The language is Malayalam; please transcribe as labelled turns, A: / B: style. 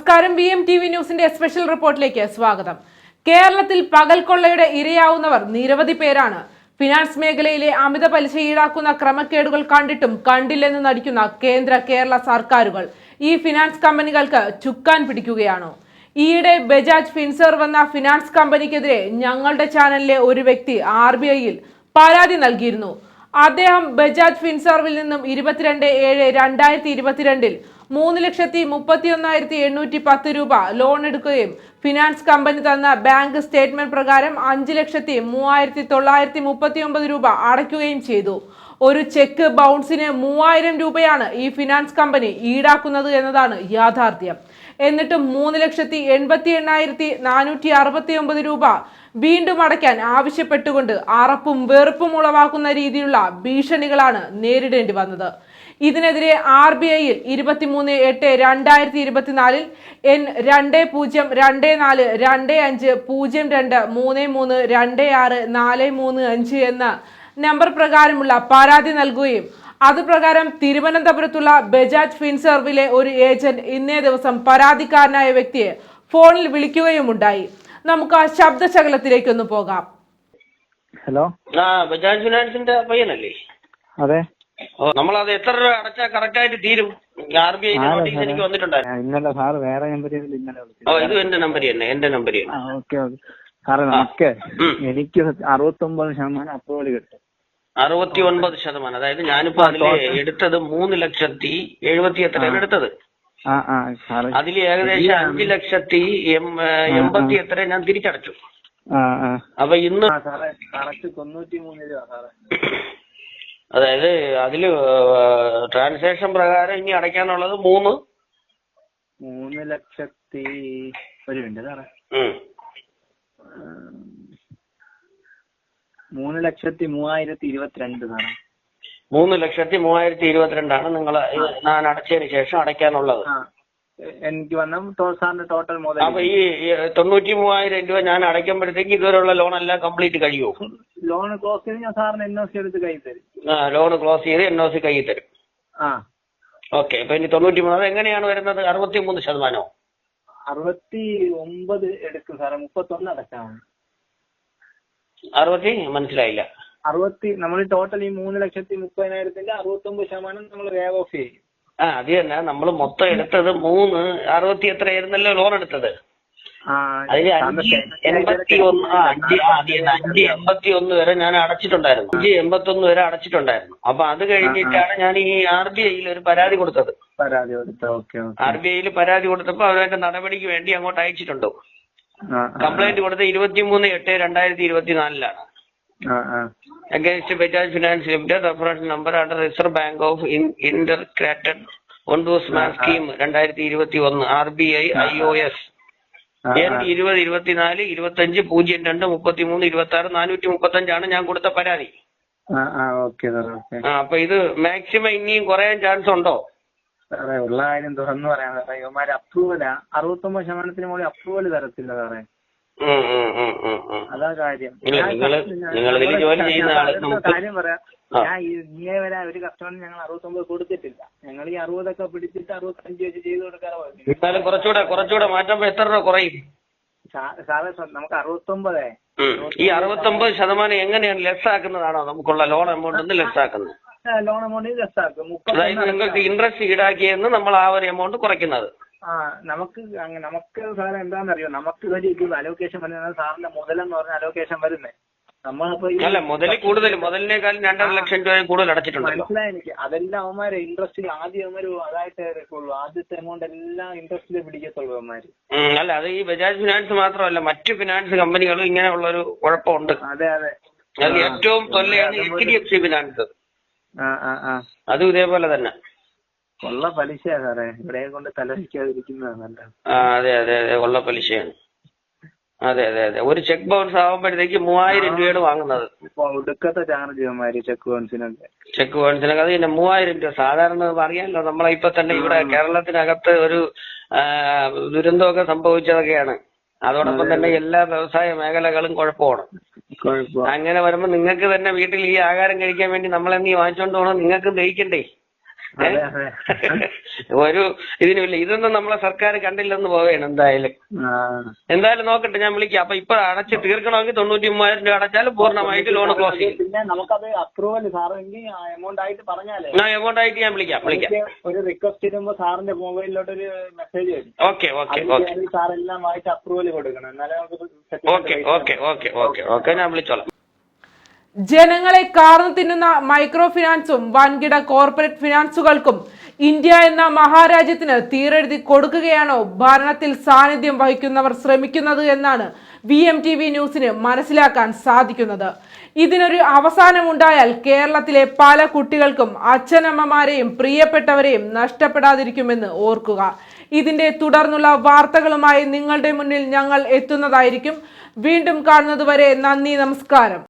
A: നമസ്കാരം. VMTV ന്യൂസിന്റെ സ്പെഷ്യൽ റിപ്പോർട്ടിലേക്ക് സ്വാഗതം. കേരളത്തിൽ പകൽ കൊള്ളയുടെ ഇരയാവുന്നവർ നിരവധി പേരാണ്. ഫിനാൻസ് മേഖലയിലെ അമിത പലിശ ഈടാക്കുന്ന ക്രമക്കേടുകൾ കണ്ടിട്ടും കണ്ടില്ലെന്ന് നടിക്കുന്ന കേരള സർക്കാരുകൾ ഈ ഫിനാൻസ് കമ്പനികൾക്ക് ചുക്കാൻ പിടിക്കുകയാണോ? ഈയിടെ ബജാജ് ഫിൻസർവ് എന്ന ഫിനാൻസ് കമ്പനിക്കെതിരെ ഞങ്ങളുടെ ചാനലിലെ ഒരു വ്യക്തി RBIയിൽ പരാതി നൽകിയിരുന്നു. അദ്ദേഹം ബജാജ് ഫിൻസർവിൽ നിന്നും 22/7/2022 3,31,810 രൂപ ലോൺ എടുക്കുകയും ഫിനാൻസ് കമ്പനി തന്ന ബാങ്ക് സ്റ്റേറ്റ്മെന്റ് പ്രകാരം 5,03,939 രൂപ അടയ്ക്കുകയും ചെയ്തു. ഒരു ചെക്ക് ബൗൺസിന് 3,000 രൂപയാണ് ഈ ഫിനാൻസ് കമ്പനി ഈടാക്കുന്നത് എന്നതാണ് യാഥാർത്ഥ്യം. എന്നിട്ടും 3,88,469 രൂപ വീണ്ടും അടയ്ക്കാൻ ആവശ്യപ്പെട്ടുകൊണ്ട് അറപ്പും വെറുപ്പും ഉളവാക്കുന്ന രീതിയിലുള്ള ഭീഷണികളാണ് നേരിടേണ്ടി വന്നത്. ഇതിനെതിരെ RBIയിൽ 23/8/2024 N20250253326435 എന്ന നമ്പർ പ്രകാരമുള്ള പരാതി നൽകുകയും അതുപ്രകാരം തിരുവനന്തപുരത്തുള്ള ബജാജ് ഫിൻസർവിലെ ഒരു ഏജന്റ് ഇന്നേ ദിവസം പരാതിക്കാരനായ വ്യക്തിയെ ഫോണിൽ വിളിക്കുകയുമുണ്ടായി. നമുക്ക് ആ ശബ്ദശകലത്തിലേക്കൊന്ന് പോകാം.
B: ഹലോ,
C: ബജാജ് ഫിനാൻസിന്റെ പയ്യനല്ലേ?
B: അതെ.
C: നമ്മളത് എത്ര രൂപ അടച്ചാൽ കറക്റ്റ് ആയിട്ട് തീരും? RBI നോട്ടീസ് എനിക്ക് വന്നിട്ടുണ്ടായിരുന്നു.
B: ഇന്നലെ സാറ് വേറെ നമ്പറിൽ ഇന്നലെ വിളിച്ചു.
C: ഇത് എന്റെ നമ്പർ തന്നെ, എന്റെ നമ്പർ തന്നെ.
B: ഓക്കെ ഓക്കെ സാറേ, നമുക്ക് എനിക്ക് 69% അപ്രൂവൽ കിട്ടും.
C: 69%. അതായത് ഞാനിപ്പോ അതില് എടുത്തത് 3,70,70 എടുത്തത്. അതിൽ ഏകദേശം 5,80,80 ഞാൻ തിരിച്ചടച്ചു. അപ്പൊ ഇന്ന്
B: കറക്റ്റ് 93 രൂപ സാറേ.
C: അതായത് അതില് ട്രാൻസാക്ഷൻ പ്രകാരം ഇനി അടയ്ക്കാനുള്ളത്
B: 3 ലക്ഷത്തി ഒരു മിനിറ്റ് സാറേ, 3,03,022 സാറേ.
C: 3,03,022 നിങ്ങൾ ഞാൻ അടച്ചതിന് ശേഷം അടയ്ക്കാനുള്ളത്.
B: എനിക്ക് വന്ന സാറിന്റെ ടോട്ടൽ മുതൽ.
C: അപ്പൊ ഈ 93,000 രൂപ ഞാൻ അടയ്ക്കുമ്പോഴത്തേക്ക് ഇതുവരെയുള്ള ലോൺ എല്ലാം കംപ്ലീറ്റ് കഴിയുമോ?
B: ലോൺ ക്ലോസ് ചെയ്ത് ഞാൻ സാറിന് NOC എടുത്ത് കൈ തരും.
C: ലോൺ ക്ലോസ് ചെയ്ത് NOC കൈ തരും. ഓക്കെ. അപ്പൊ ഇനി 93 എങ്ങനെയാണ് വരുന്നത്? 63%?
B: 69 എടുക്കും സാറേ, 31 അടച്ചാൽ മതി.
C: 60? മനസ്സിലായില്ല.
B: 60 നമ്മൾ ടോട്ടൽ ഈ 3,30,000 69% നമ്മൾ വേവ് ഓഫ് ചെയ്യും.
C: അത് തന്നെ. നമ്മൾ മൊത്തം എടുത്തത് 60 എത്രയായിരുന്നല്ലോ ലോൺ എടുത്തത്? അതിൽ 581 വരെ ഞാൻ അടച്ചിട്ടുണ്ടായിരുന്നു. 581 വരെ അടച്ചിട്ടുണ്ടായിരുന്നു. അപ്പൊ അത് കഴിഞ്ഞിട്ടാണ് ഞാൻ ഈ RBIയിൽ ഒരു പരാതി കൊടുത്തത്. RBIയിൽ പരാതി കൊടുത്തപ്പോ അവരുടെ നടപടിക്ക് വേണ്ടി അങ്ങോട്ട് അയച്ചിട്ടുണ്ടോ? കംപ്ലൈന്റ് കൊടുത്തത് 23/8/2024 against Bajaj finance limited, reference number under reserve bank of integrated ombudsman scheme 2021 RBI IOS N2024-25-02-33-26-435 ഞാൻ കൊടുത്ത പരാതി. അപ്പൊ ഇത് മാക്സിമം ഇനിയും കുറയാൻ ചാൻസ് ഉണ്ടോ?
B: സാറേ, ഉള്ള കാര്യം തുറന്നു പറയാം സാറേ. ഇവന്മാര് അപ്രൂവലാ 69% മുകളിൽ അപ്രൂവൽ തരത്തില്ല സാറേ. അതാ കാര്യം. കാര്യം പറയാം, ഞാൻ ഇന്നേ വരെ ഒരു കസ്റ്റമറിന് ഞങ്ങൾ 69 കൊടുത്തിട്ടില്ല. ഞങ്ങൾ ഈ 60 പിടിച്ചിട്ട് 65 വെച്ച് ചെയ്ത് കൊടുക്കാറ്.
C: കുറച്ചുകൂടെ മാറ്റുമ്പോ എത്ര രൂപ കുറയും
B: സാറേ? നമുക്ക് 69.
C: ഈ 69% എങ്ങനെയാണ് ലെസ് ആക്കുന്നതാണോ നമുക്കുള്ള ലോൺ എമൗണ്ട് ലെസ് ആക്കുന്നത്?
B: ലോൺ എമൗണ്ട് ലെസ് ആക്കും.
C: അതായത് നിങ്ങൾക്ക് ഇൻട്രസ്റ്റ് ഈടാക്കിയെന്ന് നമ്മൾ ആ ഒരു എമൗണ്ട് കുറയ്ക്കുന്നത്.
B: നമുക്ക് സാറേ എന്താണെന്നറിയോ, നമുക്ക് ഒരു ഇത് അലോക്കേഷൻ വരുന്നത് സാറിന്റെ മുതലെന്ന് പറഞ്ഞ അലോക്കേഷൻ വരുന്നത്. നമ്മളിപ്പോ
C: അല്ല, മുതൽ കൂടുതൽ, മുതലിനേക്കാളും 2.5 ലക്ഷം രൂപ കൂടുതൽ അടച്ചിട്ടുണ്ട്.
B: മനസ്സിലായി എനിക്ക്. അതെല്ലാം അവന്മാരെ ഇൻട്രസ്റ്റിൽ ആദ്യം അവന്മാര് അതായിട്ട് എടുക്കുള്ളൂ. ആദ്യത്തെ എമൗണ്ട് എല്ലാം ഇൻട്രസ്റ്റിൽ പിടിക്കത്തുള്ളൂ അവന്മാര്.
C: അല്ല, അത് ഈ ബജാജ് ഫിനാൻസ് മാത്രമല്ല, മറ്റു ഫിനാൻസ് കമ്പനികളും ഇങ്ങനെയുള്ള ഒരു കുഴപ്പമുണ്ട്.
B: അതെ അതെ.
C: അത് ഏറ്റവും തൊല്ലയാണ് HDFC ഫിനാൻസ്. അതും ഇതേപോലെ തന്നെ
B: കൊള്ള പലിശയാ സാറേ. ഇവിടെ കൊണ്ട് തലവയ്ക്കാതിരിക്കുന്നതാണ്.
C: അതെ അതെ അതെ, കൊള്ള പലിശയാണ്. അതെ അതെ അതെ. ഒരു ചെക്ക് ബൗൺസ് ആവുമ്പോഴത്തേക്ക് 3,000 രൂപയാണ് വാങ്ങുന്നത്.
B: ഒടുക്കത്തെ ചാർജ് ചെക്ക് ബൗൺസിനൊക്കെ.
C: അത് പിന്നെ 3,000 രൂപ. സാധാരണ അറിയാമല്ലോ, നമ്മളെ ഇപ്പൊ തന്നെ ഇവിടെ കേരളത്തിനകത്ത് ഒരു ദുരന്തമൊക്കെ സംഭവിച്ചതൊക്കെയാണ്. അതോടൊപ്പം തന്നെ എല്ലാ വ്യവസായ മേഖലകളും കുഴപ്പമാണ്. അങ്ങനെ വരുമ്പോ നിങ്ങൾക്ക് തന്നെ വീട്ടിൽ ഈ ആഹാരം കഴിക്കാൻ വേണ്ടി നമ്മളെന്നീ വാങ്ങിച്ചോണ്ട് പോകണം, നിങ്ങൾക്ക് ദഹിക്കണ്ടേ? ഒരു ഇതിനുമില്ല. ഇതൊന്നും നമ്മളെ സർക്കാർ കണ്ടില്ലെന്ന് പോവുകയാണ്. എന്തായാലും നോക്കട്ടെ, ഞാൻ വിളിക്കാം. അപ്പൊ ഇപ്പൊ അടച്ച് തീർക്കണമെങ്കിൽ 93,000 രൂപ അടച്ചാൽ പൂർണ്ണമായിട്ട് ലോൺ ക്ലോസ് ചെയ്യും.
B: പിന്നെ നമുക്കത് അപ്രൂവൽ സാറെങ്കിൽ എമൗണ്ട് ആയിട്ട് പറഞ്ഞാലേ
C: എമൗണ്ട് ആയിട്ട് ഞാൻ വിളിക്കാം.
B: ഒരു റിക്വസ്റ്റ് ഇടുമ്പോ സാറിന്റെ മൊബൈലിലോട്ട് ഒരു മെസ്സേജ് വരും.
C: ഓക്കെ
B: സാർ എല്ലാം വായിച്ച് അപ്രൂവൽ കൊടുക്കണം, എന്നാലേ
C: നമുക്ക് ഞാൻ വിളിച്ചോളാം.
A: ജനങ്ങളെ കാർന്നു തിന്നുന്ന മൈക്രോ ഫിനാൻസും വൻകിട കോർപ്പറേറ്റ് ഫിനാൻസുകൾക്കും ഇന്ത്യ എന്ന മഹാരാജ്യത്തിന് തീരെഴുതി കൊടുക്കുകയാണോ ഭരണത്തിൽ സാന്നിധ്യം വഹിക്കുന്നവർ ശ്രമിക്കുന്നത് എന്നാണ് VMTV ന്യൂസിന് മനസ്സിലാക്കാൻ സാധിക്കുന്നത്. ഇതിനൊരു അവസാനമുണ്ടായാൽ കേരളത്തിലെ പല കുട്ടികൾക്കും അച്ഛനമ്മമാരെയും പ്രിയപ്പെട്ടവരെയും നഷ്ടപ്പെടാതിരിക്കുമെന്ന് ഓർക്കുക. ഇതിന്റെ തുടർന്നുള്ള വാർത്തകളുമായി നിങ്ങളുടെ മുന്നിൽ ഞങ്ങൾ എത്തുന്നതായിരിക്കും. വീണ്ടും കാണുന്നതുവരെ നന്ദി, നമസ്കാരം.